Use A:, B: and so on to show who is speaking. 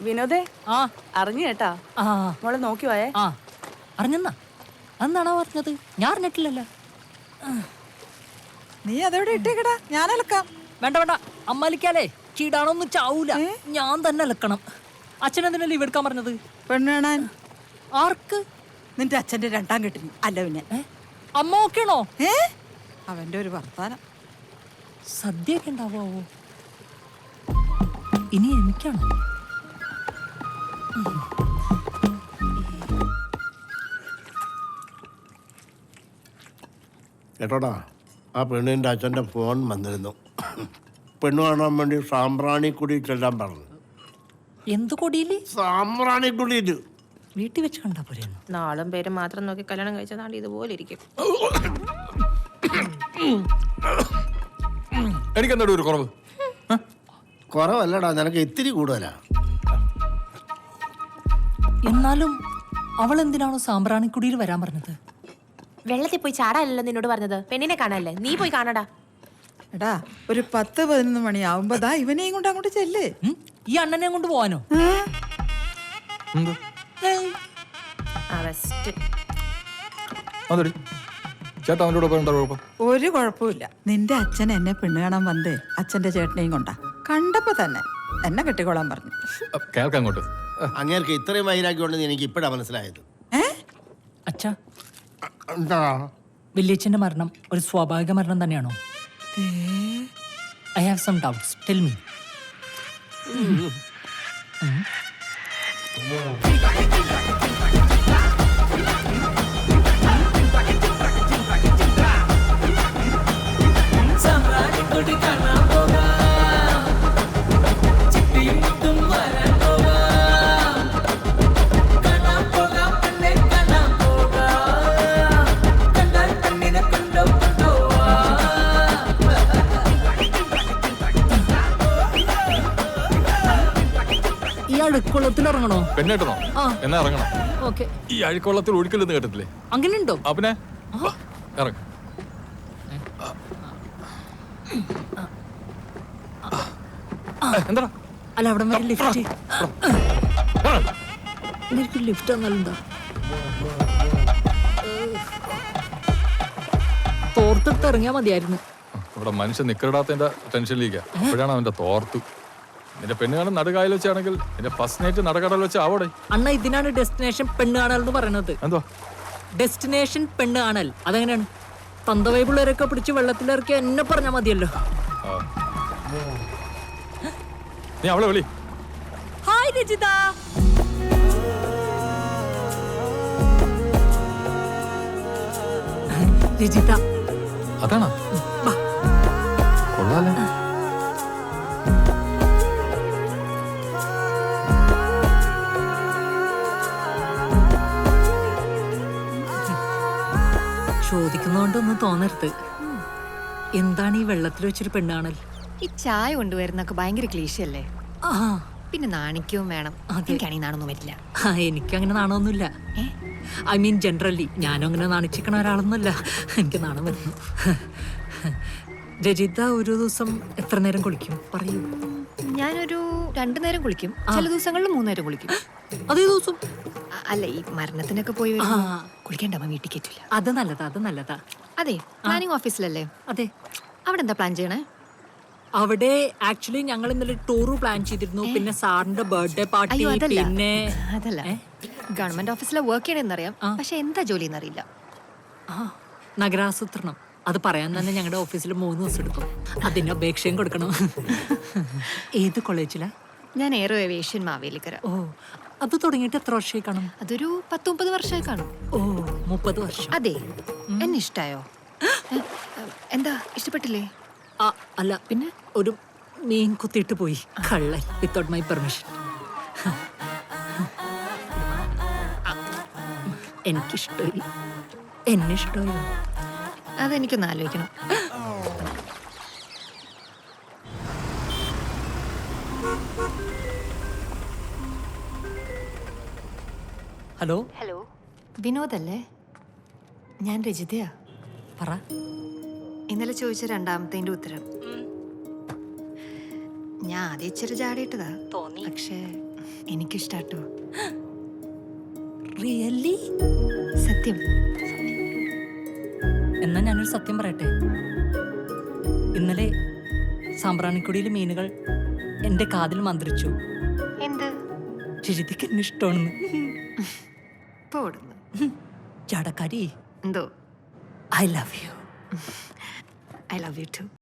A: വിനോദേ
B: ആ
A: അറിഞ്ഞു കേട്ടാ
B: ആ
A: മോളെ നോക്കി പോയേ.
B: ആ അറിഞ്ഞെന്നാ അന്നാണോ പറഞ്ഞത്? ഞാൻ അറിഞ്ഞിട്ടില്ലല്ലോ.
C: നീ അതെവിടെ ഇട്ടേക്കടാ, ഞാൻ അലക്കാം.
B: വേണ്ട വേണ്ട, അമ്മലിക്കാലേ ചീടാണൊന്നും ചാവൂല, ഞാൻ തന്നെ അലക്കണം. അച്ഛനെന്തിനാ ലീവ് എടുക്കാൻ പറഞ്ഞത്?
C: പെണ്ണ് കാണാൻ.
B: ആർക്ക്?
C: നിന്റെ അച്ഛന്റെ രണ്ടാം കെട്ടിന്. അല്ല പിന്നെ
B: അമ്മ ഓക്കെയാണോ?
C: അവന്റെ ഒരു വർത്താനം.
B: സദ്യയൊക്കെ ഉണ്ടാവോ? ഇനി എനിക്കാണോ?
D: കേട്ടോടാ, ആ പെണ്ണിൻ്റെ അച്ഛൻ്റെ ഫോൺ വന്നിരുന്നു. പെണ്ണ് കാണാൻ വേണ്ടി സാമ്പ്രാണിക്കുടി ചെല്ലാൻ പറഞ്ഞു.
B: എന്ത് കൊടിയില്?
D: സാമ്പ്രാണിക്കുടിയിൽ.
B: വീട്ടിൽ വെച്ച് കണ്ടാ പോരെയൊന്നു.
E: നാളും പേരും മാത്രം നോക്കി കല്യാണം കഴിച്ചതാണ്ട് ഇതുപോലെ ഇരിക്കും.
F: എനിക്കെന്താ ഒരു കുറവ്?
D: കുറവല്ലടാ, നിനക്ക് ഇത്തിരി കൂടുതലാ.
B: എന്നാലും അവൾ എന്തിനാണോ സാമ്പ്രാണിക്കുടിയിൽ വരാൻ പറഞ്ഞത്?
E: വെള്ളത്തിൽ പോയി ചാടാനല്ലോ നിന്നോട് പറഞ്ഞത്, പെണ്ണിനെ കാണാനല്ലേ. നീ പോയി കാണടാ.
C: എടാ, ഒരു 10-11 മണിയാവുമ്പോ ഇവനെയും കൊണ്ട് അങ്ങോട്ട് ചെല്ല്.
B: ഈ അണ്ണനെ കൊണ്ട് പോവാനോ?
F: ചേട്ടാ അവൻ്റെ കൂടെ എന്താ കുഴപ്പം?
C: ഒരു കുഴപ്പമില്ല. നിന്റെ അച്ഛൻ എന്നെ പെണ്ണ് കാണാൻ വന്നേ അച്ഛന്റെ ചേട്ടനെയും കൊണ്ടാ. കണ്ടപ്പോ തന്നെ എന്നെ കെട്ടിക്കോളാൻ പറഞ്ഞു.
F: കേൾക്കാം അങ്ങോട്ട്.
D: അങ്ങേർക്ക് ഇത്രയും വൈരാഗ്യമുണ്ടെന്ന് എനിക്ക് ഇപ്പോഴാ മനസ്സിലായത്.
B: അച്ഛാ,
D: എന്താ
B: വല്യച്ഛന്റെ മരണം ഒരു സ്വാഭാവിക മരണം തന്നെയാണോ? I have some doubts, tell me. ഈ അഴുക്കുള്ളത്തിൽ ഇറങ്ങണോ?
F: പെണ്ണേട്ടനോ? എന്നാ ഇറങ്ങണം.
B: ഓക്കെ.
F: ഈ അഴുക്കുള്ളത്തിൽ ഒഴുക്കില്ലെന്ന് കേട്ടിട്ടില്ലേ?
B: അങ്ങനെയുണ്ടോ?
F: പിന്നെ ഇറങ്ങ. എന്താ?
B: അല്ല, അവിടെ വരെ ലിഫ്റ്റ്. എനിക്ക് ലിഫ്റ്റ് എന്നാലെന്താ? തോർത്തെടുത്ത് ഇറങ്ങിയാ മതിയായിരുന്നു.
F: ഇവിടെ മനുഷ്യൻ നിക്കറിടാത്തതിന്റെ ടെൻഷനിലേക്കാ. അപ്പോഴാണ് അവന്റെ തോർത്തു. നിന്റെ പെണ്ണ് കാണാൻ നടുകായൽ വെച്ചാണെങ്കിൽ നിന്റെ ഫസ്റ്റ് നൈറ്റ് നടക്കടൽ വെച്ച് ആവോടെ.
B: അണ്ണ, ഇതിനാണ് ഡെസ്റ്റിനേഷൻ പെണ്ണ് കാണൽ എന്ന് പറയുന്നത്.
F: എന്തോ
B: ഡെസ്റ്റിനേഷൻ പെണ്ണ് കാണൽ? അതെങ്ങനെയാണ്? തന്തവൈ പിള്ളേരൊക്കെ പിടിച്ച് വെള്ളത്തിലിറക്കി എന്നെ പറഞ്ഞാൽ മതിയല്ലോ.
F: നീ അവളെ വിളി.
B: ഹായ് രജിത. രജിത
F: അതാണോ? കൊള്ളാലേ.
B: ചോദിക്കുന്നോണ്ടൊന്നും തോന്നരുത്. എന്താണ് ഈ വെള്ളത്തിൽ വെച്ചൊരു പെണ്ണാണൽ?
G: ഈ ചായ കൊണ്ടുവരുന്നൊക്കെ ഭയങ്കര ക്ലീശയല്ലേ?
B: ആ,
G: പിന്നെ നാണിക്കവും വേണം. എനിക്കാണെങ്കിൽ നാണൊന്നും വരില്ല.
B: എനിക്കങ്ങനെ നാണമൊന്നുമില്ല. ഐ മീൻ ജനറലി ഞാനും അങ്ങനെ നാണിച്ചിക്കണ ഒരാളൊന്നുമല്ല. എനിക്ക് നാണം വരുന്നു. രജിത ഒരു ദിവസം എത്ര നേരം കുളിക്കും പറയൂ?
G: ഞാനൊരു 2 നേരം കുളിക്കും, ചില ദിവസങ്ങളിൽ 3 നേരം കുളിക്കും.
B: അതേ ദിവസം?
G: അല്ല, ഈ മരണത്തിനൊക്കെ പോയി കുളിക്കേണ്ട അമ്മ വീട്ടിൽ കയറ്റില്ല.
B: അത് നല്ലതാ, അത് നല്ലതാ.
G: അതെ, പ്ലാനിങ് ഓഫീസിലല്ലേ?
B: അതെ.
G: അവിടെ എന്താ പ്ലാൻ ചെയ്യണേ?
B: അവിടെ ആക്ച്വലി ഞങ്ങൾ ഇന്നലെ ടൂർ പ്ലാൻ ചെയ്തിരുന്നു. പിന്നെ സാറിന്റെ ബർത്ത്ഡേ പാർട്ടി. പിന്നെ
G: അതല്ല, ഗവൺമെന്റ് ഓഫീസിലെ വർക്ക് ചെയ്യണമെന്നറിയാം, പക്ഷെ എന്താ ജോലി എന്നറിയില്ല.
B: നഗരാസൂത്രണം. അത് പറയാൻ തന്നെ ഞങ്ങളുടെ ഓഫീസിൽ 3 ദിവസം എടുക്കും. അതിന് അപേക്ഷയും കൊടുക്കണം. ഏത് കോളേജിലാ?
G: ഞാൻ എയറോ ഏവിയേഷൻ മാവേലിക്കര.
B: ഓ, അത് തുടങ്ങിയിട്ട് എത്ര വർഷമായി കാണും?
G: അതൊരു 10-30 വർഷമായി കാണും.
B: ഓ, 30 വർഷം.
G: അതെ. എന്നെ ഇഷ്ടായോ? എന്താ, ഇഷ്ടപ്പെട്ടില്ലേ?
B: അല്ല, പിന്നെ ഒരു മീൻ കുത്തിയിട്ട് പോയി കള്ളൻ, വിത്തൗട്ട് മൈ പെർമിഷൻ. എനിക്കിഷ്ടമായി. എന്നെ ഇഷ്ടമായോ?
G: അതെനിക്കൊന്ന് ആലോചിക്കണം.
B: ഹലോ.
G: ഹലോ, വിനോദല്ലേ? ഞാൻ രജിതയാ.
B: പറ.
G: ഇന്നലെ ചോദിച്ച 2ാമത്തെ ഉത്തരം. ഞാൻ ആദ്യം ഇച്ചിരി ചാടിയിട്ടതാ,
B: തോന്നി.
G: പക്ഷേ എനിക്കിഷ്ടാട്ടോ.
B: റിയലി?
G: സത്യം.
B: എന്നാ ഞാനൊരു സത്യം പറയട്ടെ. ഇന്നലെ സാമ്പ്രാണിക്കുടിയിൽ മീനുകൾ എന്റെ കാതിൽ മന്ത്രിച്ചു.
G: എന്ത്?
B: രിതിക്ക് എന്നെ ഇഷ്ടമാണെന്ന്.
G: പോടുന്നു.
B: ചാടക്കാരി,
G: എന്തോ?
B: I love you.
G: I love you too.